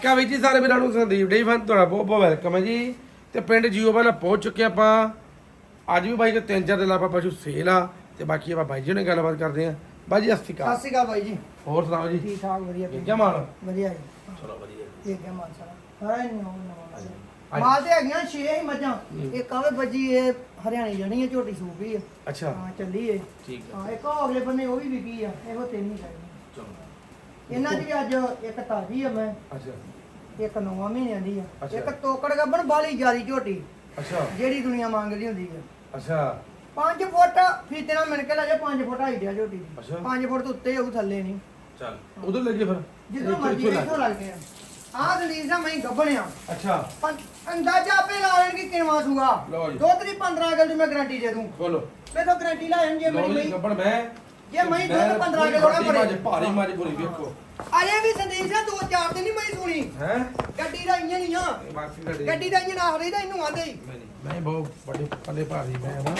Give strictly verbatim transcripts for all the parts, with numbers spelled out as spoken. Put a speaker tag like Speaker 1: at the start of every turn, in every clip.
Speaker 1: ਕਾ ਵੀ ਜੀ ਸਾਰੇ ਵੀਰਾਂ ਨੂੰ ਸੰਦੀਪ ਡੇ ਫਨ ਤੁਹਾਡਾ ਬਹੁਤ ਬਹੁਤ ਵੈਲਕਮ ਹੈ ਜੀ। ਤੇ ਪਿੰਡ ਜੀਓ ਵਾਲਾ ਪਹੁੰਚ ਚੁੱਕੇ ਆਪਾਂ। ਅੱਜ ਵੀ ਬਾਈ ਕੋ ਤਿੰਨ ਚਾਰ ਦਿਨ ਆਪਾਂ ਪਸ਼ੂ ਸੇਲ ਆ ਤੇ ਬਾਕੀ ਆਪਾਂ ਬਾਈ ਜੀ ਨਾਲ ਗੱਲਬਾਤ ਕਰਦੇ ਆ। ਬਾਈ ਜੀ ਸਤਿ ਸ਼੍ਰੀ ਅਕਾਲ।
Speaker 2: ਸਤਿ ਸ਼੍ਰੀ ਅਕਾਲ ਬਾਈ ਜੀ।
Speaker 1: ਹੋਰ ਸੁਣਾਓ ਜੀ?
Speaker 2: ਠੀਕ ਠਾਕ ਵਧੀਆ
Speaker 1: ਠੀਕ ਹੈ ਮਾਲ?
Speaker 2: ਵਧੀਆ ਜੀ।
Speaker 1: ਚਲੋ ਵਧੀਆ
Speaker 2: ਠੀਕ ਹੈ ਮਾਲ ਸਾਰਾ। ਹਾਂ ਨੋ ਨੋ ਮਾਲ ਤੇ ਹੈਗੀਆਂ ਛੇ ਹੀ ਮੱਝਾਂ। ਇੱਕ ਆਵੇ ਬੱਜੀ ਇਹ ਹਰਿਆਣੀ ਜਣੀ ਹੈ ਝੋਟੀ ਸੂਪੀ ਆ।
Speaker 1: ਅੱਛਾ
Speaker 2: ਹਾਂ ਚੱਲੀ ਏ।
Speaker 1: ਠੀਕ ਹੈ।
Speaker 2: ਹਾਂ ਇੱਕ ਉਹ ਅਗਲੇ ਬੰਨੇ ਉਹ ਵੀ ਵਿਕੀ ਆ। ਇਹੋ ਤਿੰਨ ਹੀ ਚਾਹੀਦੇ।
Speaker 1: ਚਲੋ
Speaker 2: ਇਹਨਾਂ ਦੀ ਅੱਜ ਇੱਕ ਤਾਜੀ ਆ ਮੈਂ
Speaker 1: ਅੱਛਾ
Speaker 2: ਇੱਕ ਨੌਵਾਂ ਮਹੀਨਿਆਂ ਦੀ ਆ।
Speaker 1: ਅੱਛਾ।
Speaker 2: ਇੱਕ ਤੋਕੜ ਗੱਬਣ ਬਾਲੀ ਜਿਆਦੀ ਝੋਟੀ
Speaker 1: ਅੱਛਾ
Speaker 2: ਜਿਹੜੀ ਦੁਨੀਆ ਮੰਗਦੀ ਹੁੰਦੀ ਆ।
Speaker 1: ਅੱਛਾ
Speaker 2: ਪੰਜ ਫੁੱਟ ਫੀਤੇ ਨਾਲ ਮਿਣ ਕੇ ਲੈ ਜਾ ਪੰਜ ਫੁੱਟ ਹਾਈਟ ਆ ਝੋਟੀ ਦੀ।
Speaker 1: ਅੱਛਾ।
Speaker 2: ਪੰਜ ਫੁੱਟ ਤੋਂ ਉੱਤੇ ਉਹ ਥੱਲੇ ਨਹੀਂ।
Speaker 1: ਚੱਲ ਉਧਰ ਲੱਗੇ ਫਿਰ
Speaker 2: ਜਿੱਦੋਂ ਮਰਜ਼ੀ ਇੱਥੋਂ ਲੱਗਦੇ ਆ। ਆਹ ਦਲੀਲ ਦਾ ਮੈਂ ਗੱਬਣਿਆ।
Speaker 1: ਅੱਛਾ
Speaker 2: ਅੰਦਾਜ਼ਾ ਆਪੇ ਲਾ ਲੈਣ ਕਿ ਕਿੰਨਾ ਸੂਗਾ।
Speaker 1: ਲਓ ਜੀ।
Speaker 2: ਦੋ ਤਰੀ ਪੰਦਰਾਂ ਅਗਲ ਦੀ ਮੈਂ ਗਾਰੰਟੀ ਦੇ ਦੂੰ।
Speaker 1: ਖੋਲੋ
Speaker 2: ਮੈਂ ਤਾਂ ਗਾਰੰਟੀ ਲਾ ਲੈਣ ਜੇ
Speaker 1: ਲਓ
Speaker 2: ਮੇਰੀ
Speaker 1: ਜੀ
Speaker 2: ਮਈ
Speaker 1: ਗੱਬੜ ਮੈਂ
Speaker 2: ਜੇ ਮਈ ਦੁੱਧ ਪੰਦਰਾਂ ਕਿਲੋ ਨਾ ਭਰੇ।
Speaker 1: ਭਾਰੀ ਭਾਰੀ ਮਾਰੀ ਪੂਰੀ ਵੇਖੋ
Speaker 2: ਅਰੇ ਵੀ ਸੰਦੀਪ ਸਿੰਘ ਦੋ ਚਾਰ ਦਿਨ ਨਹੀਂ ਮੈਂ ਸੁਣੀ।
Speaker 1: ਹੈ
Speaker 2: ਗੱਡੀ ਦਾ ਇੰਜਨ ਹੀ ਆ।
Speaker 1: ਬਾਕੀ ਤੁਹਾਡੇ
Speaker 2: ਗੱਡੀ ਦਾ ਇੰਜਨ ਆਖਦੇ ਦਾ ਇਹਨੂੰ ਆਂਦੇ ਹੀ।
Speaker 1: ਨਹੀਂ ਮੈਂ ਬਹੁਤ ਵੱਡੇ ਪੱਲੇ ਭਾਰੀ ਮੈਂ ਹਾਂ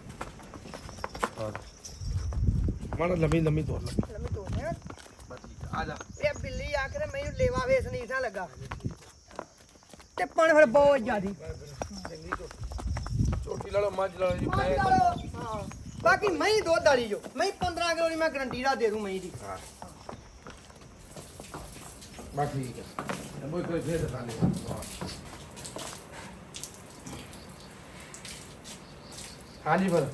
Speaker 1: ਮਾੜਾ ਲੰਮੀ ਲੰਮੀ ਤੋੜ ਲੈ
Speaker 2: ਲੰਮੀ ਤੋੜਿਆ
Speaker 1: ਆ ਜਾ।
Speaker 2: ਇਹ ਬਿੱਲੀ ਆਖਰੇ ਮੈਨੂੰ ਲੇਵਾ ਵੇ ਸੰਦੀਪ ਸਿੰਘ ਲੱਗਾ ਤੇ ਪਣ ਫਿਰ ਬਹੁਤ ਜ਼ਿਆਦੀ
Speaker 1: ਚੰਗੀ ਛੋਟੀ ਲਾ ਲਓ ਮੱਝ ਲਾ ਲਓ ਜੀ
Speaker 2: ਮੱਝ
Speaker 1: ਮੈਂ
Speaker 2: ਨਾਲ, ਹਾਂ ਬਾਕੀ ਮੈਂ ਦੁੱਧ ਵਾਲੀ ਜੋ ਮੈਂ ਪੰਦਰਾਂ ਕਿਲੋ ਦੀ ਮੈਂ ਗਾਰੰਟੀ ਦਾ ਦੇ ਦੂੰ ਮੈਂ ਦੀ।
Speaker 1: ਹਾਂ ਬਸ ਠੀਕ ਹੈ ਇਹ ਕੋਈ ਕੋਈ ਫੇਰ ਦਿਖਾ ਲੈ ਹਾਂਜੀ ਫਿਰ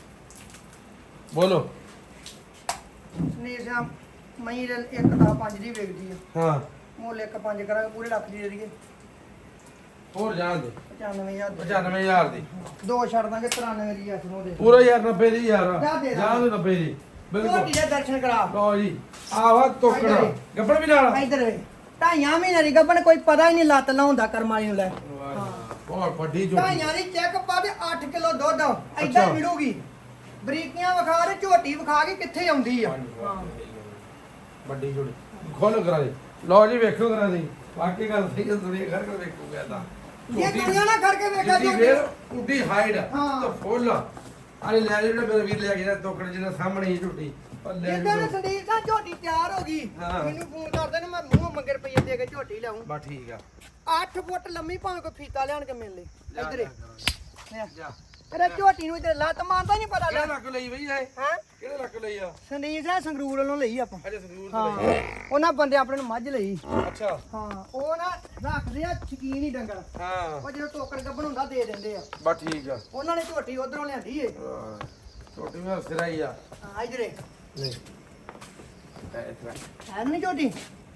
Speaker 1: ਬੋਲੋ
Speaker 2: ਸੰਦੀਪ ਸਿੰਘ ਮੈਂ ਇੱਕ ਦਾ ਪੰਜ ਦੀ ਵੇਚਦੀ ਆ।
Speaker 1: ਹਾਂ
Speaker 2: ਮੁੱਲ ਇੱਕ ਪੰਜ ਕਰਾਂਗੇ ਪੂਰੇ ਲੱਖ ਦੀ ਦੇ ਦਈਏ।
Speaker 1: ਹੋਰ ਜਾਣ ਦੇ
Speaker 2: ਪਚਾਨਵੇਂ ਹਜ਼ਾਰ ਦੀ।
Speaker 1: ਪਚਾਨਵੇਂ ਹਜ਼ਾਰ ਦੀ
Speaker 2: ਦੋ ਛੱਡ ਦਾਂਗੇ ਤਰਾਨਵੇਂ ਦੀ ਅੱਠ ਨੂੰ ਦੇ
Speaker 1: ਪੂਰਾ ਯਾਰ ਨੱਬੇ ਦੀ ਯਾਰ
Speaker 2: ਜਾ ਦੇ ਦਾਂ।
Speaker 1: ਜਾਣ ਦੇ ਨੱਬੇ ਦੀ ਬਿਲਕੁਲ
Speaker 2: ਝੋਟੀ ਦੇ ਦਰਸ਼ਨ ਕਰਾ।
Speaker 1: ਲਓ ਜੀ ਆਵਾ ਤੋਕੜਾ ਗੱਬੜ ਵੀ ਨਾਲ
Speaker 2: ਇੱਧਰ ਵੇ ਢਾਈਆਂ ਮਹੀਨੇ ਦੀ ਗੱਬਣ ਕੋਈ ਪਤਾ ਹੀ ਨਹੀਂ ਲੱਤ ਲਾਉਂਦਾ ਕਰਮ ਵਾਲੀ ਨੂੰ ਲੈ।
Speaker 1: ਬਹੁਤ ਵੱਡੀ ਝੋਟੀ
Speaker 2: ਢਾਈਆਂ ਦੀ ਚੈੱਕ ਪਾ ਦੇ ਅੱਠ ਕਿਲੋ ਦੁੱਧ ਏਦਾਂ ਮਿਲੂਗੀ। ਬਰੀਕੀਆਂ ਵਿਖਾ ਦੇ ਝੋਟੀ ਵਿਖਾ ਕੇ ਕਿੱਥੇ ਆਉਂਦੀ ਆ। ਹਾਂ
Speaker 1: ਵੱਡੀ ਝੋਟੀ ਖੋਲ ਕਰਾ ਦੇ ਲਓ ਜੀ ਵੇਖੋ ਕਰਾ ਦੇ ਵਾਕਈ ਗੱਲ ਸਹੀ ਹੈ ਦੁਨੀਆ ਘਰ ਕੇ ਵੇਖੋ ਗਿਆ ਤਾਂ
Speaker 2: ਇਹ ਦੁਨੀਆ ਨਾ ਕਰਕੇ ਵੇਖਿਆ
Speaker 1: ਜੀ
Speaker 2: ਝੋਟੀ।
Speaker 1: ਫੇਰ ਉੱਡੀ ਹਾਈਟ
Speaker 2: ਹਾਂ।
Speaker 1: ਤੇ ਫੁੱਲ ਆਲੇ ਲੈ ਜਿਹੜਾ ਮੇਰਾ ਵੀਰ ਲੈ ਗਿਆ ਤੋਕੜ ਜਿਹਨਾਂ ਸਾਹਮਣੇ ਹੀ ਝੋਟੀ ਉਹ ਲੈ
Speaker 2: ਜਿੱਦਾਂ ਨੇ ਸੰਦੀਪ ਸਾਹਿਬ ਝੋਟੀ ਤਿਆਰ ਹੋ ਗਈ
Speaker 1: ਹਾਂ।
Speaker 2: ਮੈਨੂੰ ਫੋਨ ਕਰਦੇ ਨੇ ਮੈਂ ਮੂੰਹ ਮੰਗੇ ਰੁਪਈਏ ਦੇ ਕੇ ਝੋਟੀ ਲਾਉਂ।
Speaker 1: ਬਾ ਠੀਕ ਆ
Speaker 2: ਅੱਠ ਫੁੱਟ ਲੰਮੀ ਭਾਵੇਂ ਕੋਈ ਫੀਤਾ ਲਿਆਣ ਕੇ ਮਿਲ ਲੇ
Speaker 1: ਜਾ,
Speaker 2: ਇੱਧਰ
Speaker 1: ਜਾ, ਜਾ
Speaker 2: ਤੇਰੇ ਝੋਟੀ ਨੂੰ ਇੱਧਰ ਲੱਤ ਮਾਰਦਾ ਨਹੀਂ ਪਤਾ
Speaker 1: ਕਿਹੜੇ
Speaker 2: ਲੈ।
Speaker 1: ਲੱਕ ਲਈ ਬਈ ਇਹ
Speaker 2: ਹਾਂ
Speaker 1: ਕਿਹੜੇ ਲੱਕ ਲਈ ਆ
Speaker 2: ਸੰਦੀਪ ਸਾਹਿਬ ਸੰਗਰੂਰ ਵੱਲੋਂ ਲਈ ਆਪਾਂ।
Speaker 1: ਅਜੇ ਸੰਦੂਰ ਤੇ
Speaker 2: ਹਾਂ
Speaker 1: ਲਈ
Speaker 2: ਉਹਨਾਂ ਬੰਦੇ ਆਪਣੇ ਨੂੰ ਮੱਝ ਲਈ।
Speaker 1: ਅੱਛਾ
Speaker 2: ਹਾਂ ਉਹ ਨਾ ਰੱਖਦੇ ਆ ਸ਼ਕੀਨ ਹੀ ਡੰਗਰ।
Speaker 1: ਹਾਂ
Speaker 2: ਉਹ ਜਦੋਂ ਟੋਕਰ ਗੱਭਣ ਹੁੰਦਾ ਦੇ ਦਿੰਦੇ ਆ।
Speaker 1: ਬਾ ਠੀਕ ਆ
Speaker 2: ਉਹਨਾਂ ਨੇ ਝੋਟੀ ਉਧਰੋਂ ਲਿਆਂਦੀ ਏ।
Speaker 1: ਹਾਂ, ਝੋਟੀ ਮੈਂ ਸਿਰਾ ਹੀ ਆ
Speaker 2: ਹਾਂ ਇਧਰੇ
Speaker 1: ਨਹੀਂ ਇਹ ਇਤਰਾ
Speaker 2: ਹੈ ਨਹੀਂ ਝੋਟੀ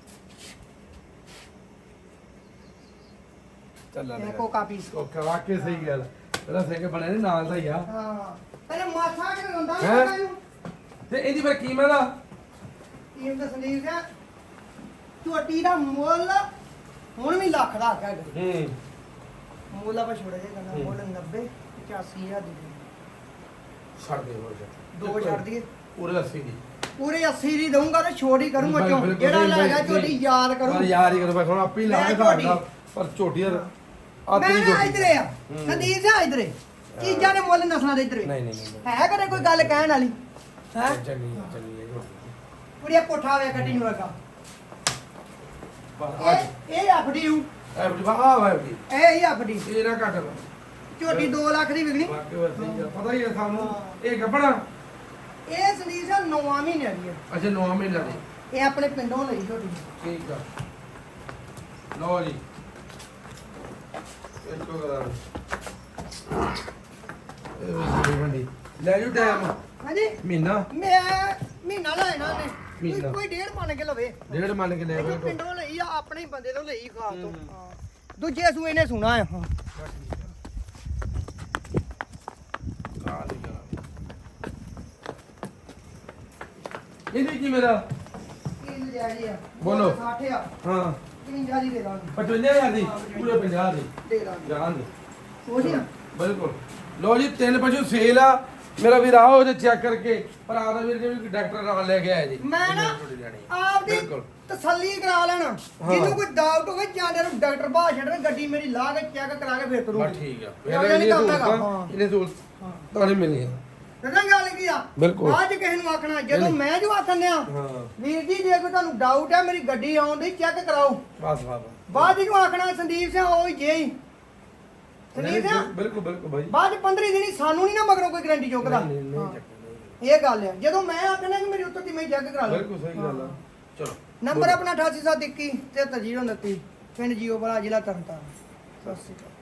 Speaker 1: ਚੱਲ
Speaker 2: ਇਹ
Speaker 1: ਲੈ
Speaker 2: ਕੋਕਾ ਪੀਸ।
Speaker 1: ਉਹ ਵਾਕਈ ਸਹੀ ਗੱਲ ਤੇਰਾ ਸਿੰਘ ਬਣੇ ਨੇ ਨਾਲ ਦਾ ਹੀ ਆ
Speaker 2: ਹਾਂ ਪਹਿਲੇ ਮਾਥਾ ਕਿ ਹੁੰਦਾ
Speaker 1: ਹੈਂ?
Speaker 2: ਨਹੀਂ ਇਹਨੂੰ
Speaker 1: ਤੇ ਇਹਦੀ ਫਿਰ ਕੀਮਤ ਆ
Speaker 2: ਟੀਮ ਦਾ ਸੰਦੀਪ ਸਿੰਘ ਝੋਟੀ ਦਾ ਮੁੱਲ ਹੁਣ ਵੀ ਲੱਖ ਦਾ ਹੈਗਾ।
Speaker 1: ਹੂੰ
Speaker 2: ਮੁੱਲ ਆਪਾਂ ਛੋੜ ਜੇ ਕਹਿੰਦਾ ਮੁੱਲ ਨੱਬੇ ਪਚਾਸੀ ਹਜ਼ਾਰ ਦੀ ਦੇ।
Speaker 1: ਛੱਡ ਦੇ ਹੋਰ ਜਾ
Speaker 2: ਦੋ ਛੱਡ ਦਈਏ
Speaker 1: ਪੂਰੇ ਅੱਸੀ ਦੀ
Speaker 2: ਪੂਰੇ ਅੱਸੀ ਦੀ ਦਊਂਗਾ ਤੇ ਛੋੜ ਹੀ ਕਰੂੰਗਾ ਚੋਂ
Speaker 1: ਬਿਲਕੁਲ,
Speaker 2: ਜਿਹੜਾ
Speaker 1: ਬਿਲਕੁਲ,
Speaker 2: ਲੈ ਗਿਆ
Speaker 1: ਬਿਲਕੁਲ।
Speaker 2: ਝੋਟੀ ਯਾਦ ਕਰੂੰ।
Speaker 1: ਪਰ ਯਾਰ ਹੀ ਕਰ ਬਸ ਹੁਣ ਆਪੇ ਹੀ ਲਾ
Speaker 2: ਮੈਂ
Speaker 1: ਕੇ
Speaker 2: ਝੋਟੀ।
Speaker 1: ਖਾਂਦਾ ਪਰ ਝੋਟੀ ਯਾਰ ਆ
Speaker 2: ਮੈਂ
Speaker 1: ਤੇਰੀ
Speaker 2: ਨਾ
Speaker 1: ਝੋਟੀ
Speaker 2: ਇਧਰੇ ਆ
Speaker 1: ਹੂੰ।
Speaker 2: ਸੰਦੀਪ ਸਿੰਘ ਇਧਰੇ ਚੀਜ਼ਾਂ ਦੇ ਮੁੱਲ ਨਸਲਾਂ ਦੇ ਇਧਰੇ
Speaker 1: ਨਹੀਂ ਨਹੀਂ ਨਹੀਂ
Speaker 2: ਹੈ ਕਦੇ ਕੋਈ ਗੱਲ ਕਹਿਣ ਵਾਲੀ ਹੈ
Speaker 1: ਚੰਗੀ ਚੰਗੀ ਹੈ ਝੋਟੀ
Speaker 2: ਕੁੜੀਆ ਕੋਠਾ ਵੇ ਕੱਟੀ ਨੂੰ ਲੱਗਾ
Speaker 1: ਬਸ ਆ
Speaker 2: ਇਹ ਇਹ ਆਫੜੀ ਹੂੰ
Speaker 1: ਇਹ ਬੜੀ ਆ ਵਾ ਵੀ
Speaker 2: ਇਹ ਹੀ ਆਫੜੀ
Speaker 1: ਇਹ ਨਾ ਘੱਟ
Speaker 2: ਝੋਟੀ ਦੋ ਲੱਖ ਦੀ ਵਿਕਣੀ।
Speaker 1: ਵਾਕਈ ਵਾ ਸਹੀ ਆ ਪਤਾ ਹੀ ਹੈ ਸਾਨੂੰ
Speaker 2: ਹਾਂ।
Speaker 1: ਇਹ ਗੱਬੜਾ
Speaker 2: ਇਹ ਸੰਦੀਪ ਸਿੰਘ ਨੌਵਾਂ ਮਹੀਨਿਆਂ ਦੀ ਹੈ।
Speaker 1: ਅੱਛਾ ਨੌਂ ਮਹੀਨੇ ਦੀ
Speaker 2: ਇਹ ਆਪਣੇ ਪਿੰਡੋਂ ਲਈ ਝੋਟੀ।
Speaker 1: ਠੀਕ ਆ ਲਓ ਜੀ ਇੱਕੋ ਕਰਾ ਇਹ ਵੀ ਵੰਡੀ ਲੈ ਜੂ ਟਾਈਮ
Speaker 2: ਹਾਂਜੀ
Speaker 1: ਮਹੀਨਾ
Speaker 2: ਮੈਂ ਮਹੀਨਾ ਲੈਣਾ ਨੇ
Speaker 1: ਮਹੀਨਾ।
Speaker 2: ਕੋਈ ਡੇਢ ਮੰਨ ਕੇ ਲਵੇ।
Speaker 1: ਡੇਢ ਮੰਨ ਕੇ ਲੈ
Speaker 2: ਇਹ
Speaker 1: ਗਏ
Speaker 2: ਪਿੰਡੋਂ ਲਈ ਆ ਆਪਣੇ ਹੀ ਬੰਦੇ ਤੋਂ ਲਈ ਖਾਸ ਤੋਂ।
Speaker 1: ਹੂੰ।
Speaker 2: ਹਾਂ ਦੂਜੇ ਸੂਏ ਨੇ ਸੁਣਾ ਆ। ਹਾਂ
Speaker 1: ਇਹਦੀ ਕੀ ਮੇਰਾ
Speaker 2: ਕੀ ਨਜਾਇਜ਼ ਆ
Speaker 1: ਬੋਲੋ।
Speaker 2: ਸੱਠ ਆ
Speaker 1: ਹਾਂ
Speaker 2: ਪਚਵੰਜਾ ਦੀ ਦੇ ਦਾਂਗੇ
Speaker 1: ਪਚਵੰਜਾ ਹਜ਼ਾਰ ਦੀ ਪੂਰੇ ਪੰਜਾਹ ਦੀ
Speaker 2: ਦੇ ਦਾਂਗੇ
Speaker 1: ਜਾਣ ਦੇ
Speaker 2: ਉਹਦੀ ਆ
Speaker 1: ਬਿਲਕੁਲ ਲੋ ਜੀ ਤਿੰਨ ਪਸ਼ੂ ਸੇਲ ਆ ਮੇਰਾ ਵੀਰ ਆਓ ਉਹਦੇ ਚੈੱਕ ਕਰਕੇ ਪਰ ਆਦਾ ਵੀਰ ਜੀ ਵੀ ਡਾਕਟਰ ਨਾਲ ਲੈ ਕੇ ਆਇਆ ਜੀ
Speaker 2: ਮੈਂ ਨਾ ਆਪਦੀ
Speaker 1: ਬਿਲਕੁਲ।
Speaker 2: ਤਸੱਲੀ ਕਰਾ ਲੈਣਾ ਜਿਹਨੂੰ ਕੋਈ ਡਾਊਟ ਹੋਵੇ ਜਾਂਦੇ ਨੂੰ ਡਾਕਟਰ ਬਾਹਰ ਛੱਡਣ ਗੱਡੀ ਮੇਰੀ ਲਾ ਕੇ ਚੈੱਕ ਕਰਾ ਕੇ ਫਿਰ ਤੁਰੂ
Speaker 1: ਬਸ ਠੀਕ ਆ
Speaker 2: ਇਹੋ
Speaker 1: ਫਿਰ
Speaker 2: ਜਿਹੀ
Speaker 1: ਇਹ
Speaker 2: ਕੰਮ ਹੈਗਾ।
Speaker 1: ਸਹੂਲਤਾਂ
Speaker 2: ਹਾਂ।
Speaker 1: ਇਹਨੇ ਸਹੂਲਤ ਤੁਹਾਨੂੰ ਮਿਲੀ ਆ
Speaker 2: ਦੱਸਾਂ ਗੱਲ ਕੀ ਆ
Speaker 1: ਬਿਲਕੁਲ।
Speaker 2: ਬਾਅਦ ਚ ਕਿਸੇ ਨੂੰ ਆਖਣਾ ਜਦੋਂ ਮੈਂ ਜੋ ਆਖਣ ਆ
Speaker 1: ਹਾਂ
Speaker 2: ਵੀਰ ਜੀ ਜੇ ਕੋਈ ਤੁਹਾਨੂੰ ਡਾਊਟ ਹੈ ਮੇਰੀ ਗੱਡੀ ਆਉਣ ਦੀ ਚੈੱਕ ਕਰਾਓ
Speaker 1: ਬਸ ਬਸ
Speaker 2: ਬਾਅਦ ਇਹਨੂੰ ਆਖਣਾ ਸੰਦੀਪ ਸਿੰਘ ਉਹ ਹੀ ਜੇ ਹੀ ਸੰਦੀਪ ਸਿੰਘ
Speaker 1: ਬਿਲਕੁਲ ਬਿਲਕੁਲ ਬਾਈ
Speaker 2: ਬਾਅਦ ਪੰਦਰਾਂ ਦਿਨੀ ਸਾਨੂੰ ਨਹੀਂ ਨਾ ਮਗਰੋਂ ਕੋਈ ਗਰੰਟੀ ਚੁੱਕਦਾ
Speaker 1: ਨਹੀਂ ਨਹੀਂ
Speaker 2: ਹਾਂ।
Speaker 1: ਚੱਕਣਾ, ਨਹੀਂ।
Speaker 2: ਇਹ ਗੱਲ ਹੈ ਜਦੋਂ ਮੈਂ ਆਖਣਾ ਕਿ ਮੇਰੀ ਉੱਤਰ ਦੀ ਮੈਂ ਚੈੱਕ ਕਰਾ ਲਾਂ
Speaker 1: ਬਿਲਕੁਲ ਸਹੀ ਗੱਲ ਆ ਚਲੋ
Speaker 2: ਨੰਬਰ ਆਪਣਾ ਅਠਾਸੀ ਸੱਤ ਇੱਕੀ ਤੇ ਤਰਜੀਹ ਉਨੱਤੀ ਪਿੰਡ ਜੀਓ ਵਾਲਾ ਜ਼ਿਲ੍ਹਾ ਤਰਨਤਾਰਨ ਸਤਿ ਸ਼੍ਰੀ ਅਕਾਲ।